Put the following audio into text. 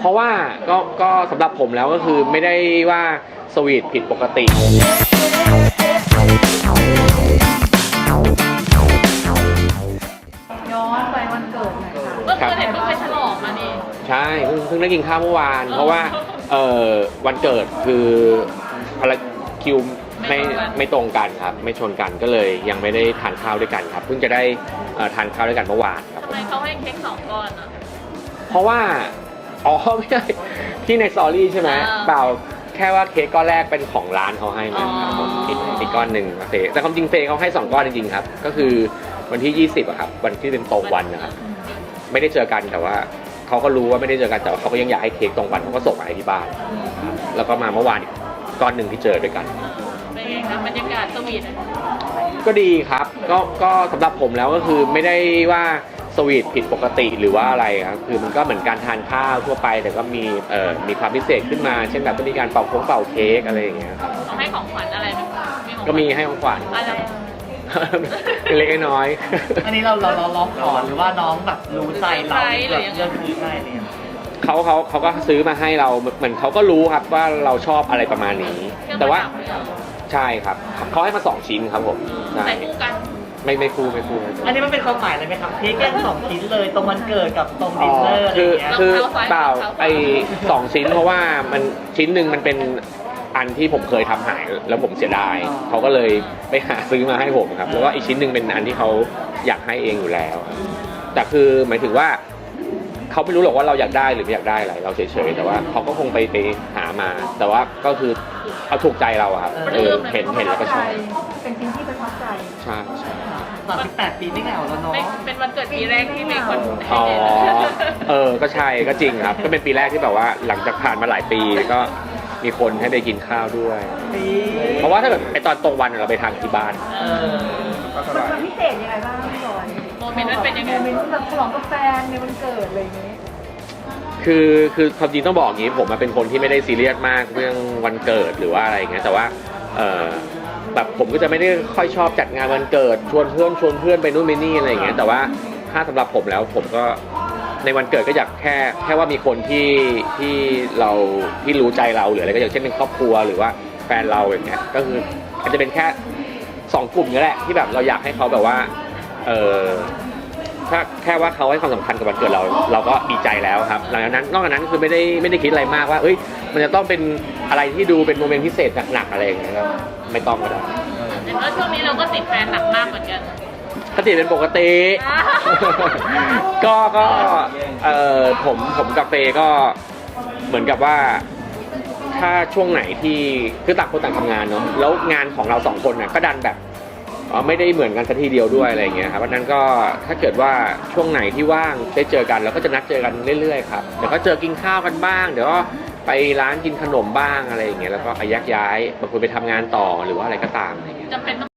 ราะว่าก็สำหรับผมแล้วก็คือไม่ได้ว่าสวีทผิดปกติย้อนไปวันเกิดหน่อยค่ะเมื่อคืนเห็นเพิ่งไปฉลองมานี่ใช่เพิ่งได้กินข้าวเมื่อวานเพราะว่าวันเกิดคืออะไรคิวไม่ตรงกันครับไม่ชนกันก็เลยยังไม่ได้ทานข้าวด้วยกันครับเพิ่งจะได้ทานข้าวด้วยกันเมื่อวานครับทำไมเขาให้เค้ก2 ก้อนอ่ะเพราะว่าไม่ใช่ที่ในสตอรี่ใช่ไหมเปล่าแค่ว่าเค้กก้อนแรกเป็นของร้านเขาให้มาครับผมอีกก้อนหนึ่งเฟย์แต่ความจริงเฟย์เขาให้2 ก้อนจริงๆครับก็คือวันที่20อะครับวันที่เป็นตรงวันนะครับไม่ได้เจอกันแต่ว่าเขาก็รู้ว่าไม่ได้เจอกันแต่เขาก็ยังอยากให้เค้กตรงวันเขาก็ส่งมาให้ที่บ้านแล้วก็มาเมื่อวานอีกก้อนหนึ่งที่เจอด้วยกันเป็นไงครับบรรยากาศสวีทก็ดีครับก็สำหรับผมแล้วก็คือไม่ได้ว่าสวีทผิดปกติหรือว่าอะไรครับคือมันก็เหมือนการทานข้าวทั่วไปแต่ก็มีความพิเศษขึ้นมาเช่นแบบต้องมีการเป่าเค้กอะไรอย่างเงี้ยครับเขาให้ของขวัญอะไรไหมก็มีให้ของขวัญอะไรเล็กน้อยอันนี้เราขอหรือว่าน้องแบบรู้ใจเราแบบเลือกซื้อให้เนี่ยเขาก็ซื้อมาให้เราเหมือนเขาก็รู้ครับว่าเราชอบอะไรประมาณนี้แต่ว่าใช่ครับเขาให้มา2 ชิ้นครับผมใส่คู่กันไม่คู่อันนี้มันเป็นความหมายอะไรไหมครับเค้กแค่2 ชิ้นเลยตรงวันเกิดกับตรงดินเนอร์อะไรอย่างเงี้ยคือเปล่า2 ชิ้นเพราะว่ามันชิ้นหนึ่งมันเป็นอันที่ผมเคยทำหายแล้วผมเสียดายเขาก็เลยไปหาซื้อมาให้ผมครับแล้วก็อีกชิ้นหนึ่งเป็นอันที่เขาอยากให้เองอยู่แล้วแต่คือหมายถึงว่าเขาไม่รู้หรอกว่าเราอยากได้หรือไม่อยากได้อะไรเราเฉยๆแต่ว่าเขาก็คงไปหามาแต่ว่าก็คือเอาถูกใจเราครับเห็นแล้วก็ชอบเป็นสิ่งที่ประทับใจใช่ 38 ปีไม่เหงาแล้วเนาะเป็นวันเกิดปีแรกที่มีคนให้ก็ใช่ก็จริงครับก็เป็นปีแรกที่แบบว่าหลังจากผ่านมาหลายปีก็มีคนให้ไปกินข้าวด้วยเพราะว่าถ้าแบบไอตอนตรงวันเราไปทานที่บ้านมันพิเศษยังไงบ้างพี่บอยโมเมนต์มันเป็นยังไงโมเมนต์แบบฉลองกับแฟนในวันเกิดอะไรอย่างนี้คือความจริงต้องบอกอย่างนี้ผมเป็นคนที่ไม่ได้ซีเรียสมากเรื่องวันเกิดหรือว่าอะไรอย่างเงี้ยแต่ว่าแบบผมก็จะไม่ได้ค่อยชอบจัดงานวันเกิดชวนเพื่อนไปนู่นไปนี่อะไรอย่างเงี้ยแต่ว่าถ้าสำหรับผมแล้วผมก็ในวันเกิดก็อยากแค่ว่ามีคนที่เราที่รู้ใจเราหรืออะไรก็อย่างเช่นเป็นครอบครัวหรือว่าแฟนเราอย่างเงี้ยก็คืออาจจะเป็นแค่2 กลุ่มนี่แหละที่แบบเราอยากให้เขาแบบว่าถ้าแค่ว่าเขาให้ความสำคัญกับวันเกิดเราก็ดีใจแล้วครับหลังจากนั้นนอกจากนั้นคือไม่ได้คิดอะไรมากว่าเอ้ยมันจะต้องเป็นอะไรที่ดูเป็นโมเมนต์พิเศษหนักๆอะไรอย่างเงี้ยครับไม่ต้องก็ได้แต่ว่าช่วงนี้เราก็ติดแฟนหนักมากเหมือนกันก็ติดเป็นปกติก็ผมกับเฟย์ก็เหมือนกับว่าถ้าช่วงไหนที่คือต่างคนต่างทำงานเนาะแล้วงานของเรา2 คนน่ะก็ดันแบบไม่ได้เหมือนกันสักทีเดียวด้วยอะไรอย่างเงี้ยครับเพราะนั้นก็ถ้าเกิดว่าช่วงไหนที่ว่างได้เจอกันเราก็จะนัดเจอกันเรื่อยๆครับเดี๋ยวก็เจอกินข้าวกันบ้างเดี๋ยวก็ไปร้านกินขนมบ้างอะไรอย่างเงี้ยแล้วก็แยกย้ายบางคนไปทำงานต่อหรือว่าอะไรก็ตามอะไรอย่างเงี้ย